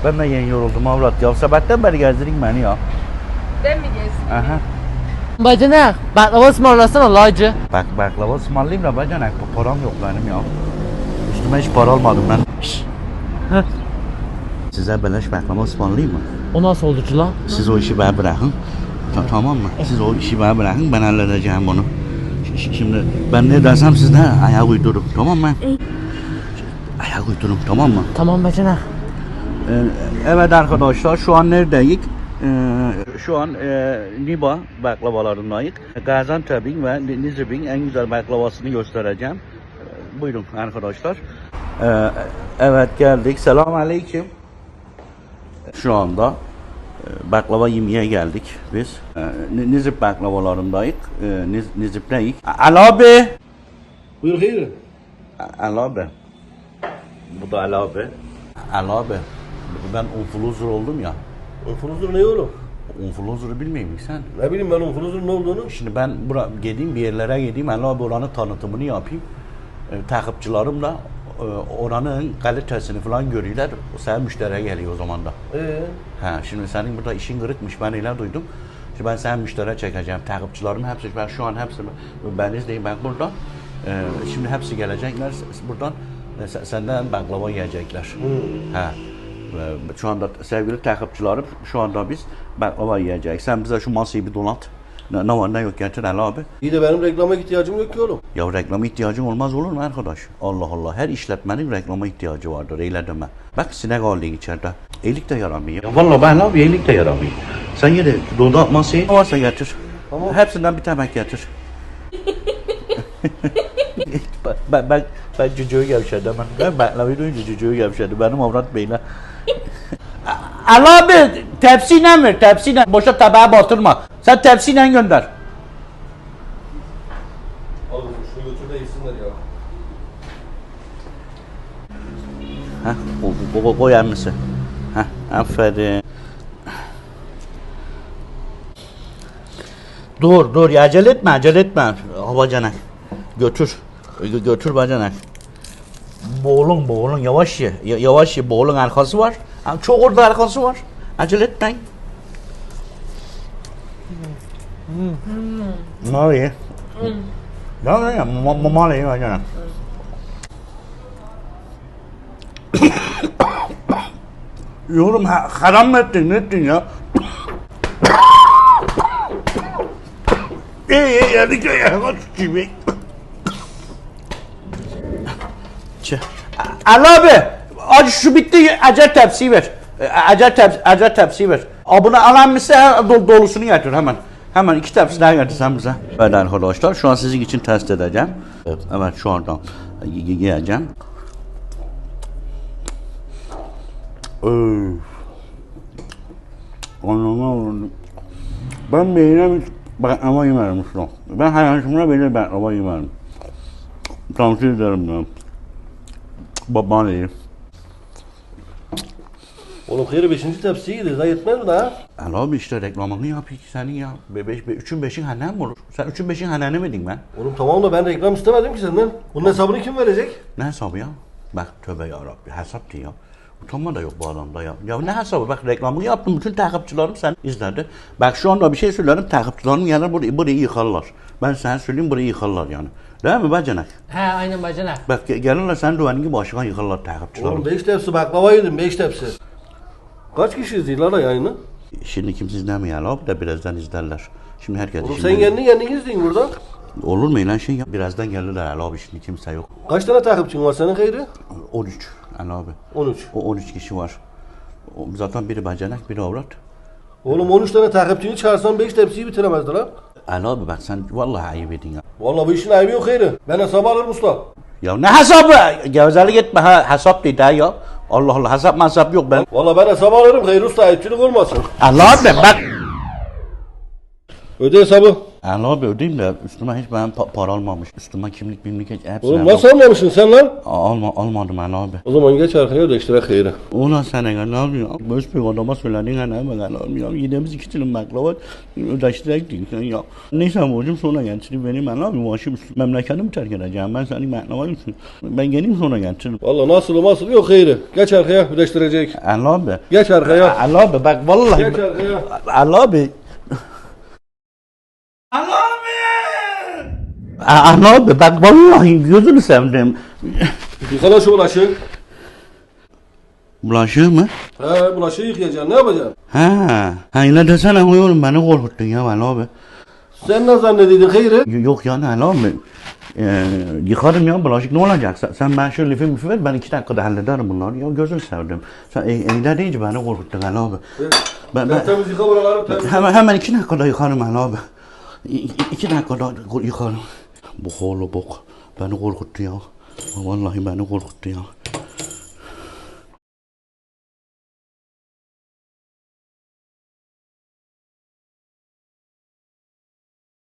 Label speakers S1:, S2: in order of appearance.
S1: Ben de yeni yoruldum avrat ya. Sabahtan beri gezdirin beni ya.
S2: Ben mi gezdim?
S1: Aha.
S3: Bacanak, baklava ısmarlasana lacı.
S1: Baklava ısmarlayayım da bacanak. Param yok benim ya. Üstüme hiç para almadım ben. Şşş.
S3: Heh.
S1: Size beleş baklava ısmarlayayım mı?
S3: O nasıl oldu ki lan?
S1: Siz o işi bana bırakın. Tamam mı? Siz o işi bana bırakın, ben halledeceğim bunu. Şimdi ben ne dersem siz de ayak uydurun, tamam mı? Ayak uydurun, tamam mı?
S3: Tamam bacanak.
S1: Evet arkadaşlar, şu an neredeyiz? Şu an Niba baklavalarındayız. Gaziantep'in ve Nizip'in en güzel baklavasını göstereceğim. Buyurun arkadaşlar. Evet geldik. Selamünaleyküm. Şu anda baklava yemeye geldik biz. Nizip baklavalarındayız. Nizip'teyiz. Ali abi.
S4: Buyur hayır.
S1: Ali abi. Bu da Ali abi. Ali abi. Ben influencer oldum ya.
S4: Influencer ne oğlum?
S1: Influencer'ı bilmiyor musun sen?
S4: Ne bileyim ben influencer ne olduğunu.
S1: Şimdi ben gideyim bir yerlere gideyim. Ali abi oranın tanıtımını yapayım. Takipçilerim de oranın kalitesini falan görüyorlar. Sen müşteriye geliyor o zaman da. Şimdi senin burada işin kırıkmış, ben öyle duydum. Şimdi ben sen müşteriye çekeceğim. Takipçilerim hepsi, ben şu an hepsi, ben izleyeyim ben buradan. Şimdi hepsi gelecekler buradan. Senden baklava yiyecekler. Şu anda sevgili takipçilerim, şu anda biz baklava yiyeceğiz. Sen bize şu masayı bir donat. Ne var ne yok getir Ali abi.
S4: İyi de benim reklama ihtiyacım yok ki oğlum.
S1: Ya reklama ihtiyacın olmaz olur mu arkadaş? Allah Allah, her işletmenin reklama ihtiyacı vardır, öyle deme. Bak sinek ağırlığı içeride. Elik de yaramıyor. Ya vallahi ben abi elik de yaramıyor. Sen yine donat masayı varsa getir.
S4: Tamam.
S1: Hepsinden bir tabak getir. ben cücüğü gevşedim. Ben baklavayı duyunca cücüğü gevşedi. Benim avrat beyle. Ali abi tepsiyle ver, tepsiyle. Boşa tabağa batırma. Sen tepsiyle gönder.
S4: Oğlum şunu götür de yesinler ya.
S1: Koy annesi. Aferin. Dur ya, acele etme. Bacanak. Götür bacanak. Boğulun yavaş ye. Yavaş ye, boğulun arkası var. Çok orada arkası var. Acele etmeyin. Mali. Ya mali bacanak. Yorum haram mı ettin, ne ettin ya? İyi yedik ya, kaç gibi. Ali abi, acı şu bitti, acar tepsiyi ver. Acar tepsiyi ver. Abone alan mısın, dolusunu getir hemen. Hemen 2 tepsi daha getir sen bize. Evet arkadaşlar, şu an sizin için test edeceğim. Evet, şu anda yiyeceğim. Ben beğenem baklava yemerim usta. Ben hayatımda böyle baklava yemerim. Tavsiye ederim ben. Baban iyi.
S4: Oğlum hayır 5. tepsiyi yedi. Daha yetmez mi daha?
S1: Ali abi işte reklamını yapayım ki senin ya. 3'ün 5'in hanen mi olur? Sen 3'ün 5'in haneni miydin ben?
S4: Oğlum tamam da ben reklam istemedim ki senden. Bunun hesabını kim verecek?
S1: Ne hesabı ya? Bak tövbe yarabbi, hesap diyor ya. Utanma da yok bu adamda ya. Ya ne hesabı, bak reklamını yaptım, bütün takipçilerim sen izledi. Bak şu anda bir şey söylerim, takipçilerim gelir burayı yıkarlar. Ben sana söyleyeyim, burayı yıkarlar yani. Değil mi bacanak?
S3: He aynen bacanak.
S1: Bak gelirler sen duvarın gibi başına yıkarlar takipçilerim.
S4: Oğlum 5 tepsi baklava yedim 5 tepsi. Kaç kişi izliyorlar la yayını?
S1: Şimdi kimse izlemiyor abi de birazdan izlerler. Şimdi herkes
S4: Oğlum
S1: şimdi...
S4: sen kendin izleyin burada.
S1: Olur mu lan şey ya? Birazdan gelirler Ali abi, şimdi kimse yok.
S4: Kaç tane takipçin var senin hayırı?
S1: 13 Ali abi.
S4: 13.
S1: O 13 kişi var. Zaten biri bacanak, biri avrat.
S4: Oğlum 13 tane takipçini çağırsan 5 tepsiyi bitiremezdi lan.
S1: Ali abi bak sen vallahi ayıp edin ya.
S4: Vallahi bu işin ayıbı yok hayırı. Ben hesabı alırım usta.
S1: Ya ne hesabı? Gevezelik etme, hesap değil ha ya. Allah Allah, hesap yok ben.
S4: Vallahi ben hesabı alırım hayır usta, ayıpçılık olmasın.
S1: Allah abi bak.
S4: Öde hesabı.
S1: Ali abi ödeyeyim de üstüme hiç ben para almamış. Üstüme kimlik hiç hepsini
S4: Oğlum nasıl almamışsın sen lan?
S1: almadım Ali abi.
S4: O zaman geç arkaya ödeştirek hayırı.
S1: Ulan sen Ali abi ya. Boş bir adama söyledin Ali abi ya. Yediğimiz 2 dilim baklava ödeştirecektik sen ya. Neyse borcum sonra getireyim benim Ali abi. Başım memleketimi terk edeceğim. Ben senin baklava için. Ben geleyim sonra getiririm.
S4: Valla nasıl yok hayırı. Geç arkaya ödeştirecek.
S1: Ali abi.
S4: Geç arkaya.
S1: Ali abi bak vallahi.
S4: Geç arkaya.
S1: Ali abi. Ali abi bak vallahi gözünü sevdim.
S4: Yıkala şu bulaşık.
S1: Bulaşığı mı?
S4: He bulaşığı yıkayacaksın. Ne yapacaksın?
S1: Ha yine desene oğlum beni korkuttun ya Ali abi.
S4: Sen ne zannediyordun hayırı?
S1: Yok yani Ali abi. Yıkarım ya bulaşık ne olacak? Sen ben şu lifi ver ben 2 dakikada hallederim bunları. Ya gözünü sevdim. Sen eyle deyince beni korkuttun Ali abi. Ben
S4: Temiz yıka buraları temiz.
S1: hemen 2 dakikada yıkarım Ali abi. 2 dakikada yıkarım. Bu oğlu bok beni korkuttu ya. Vallahi beni korkuttu ya.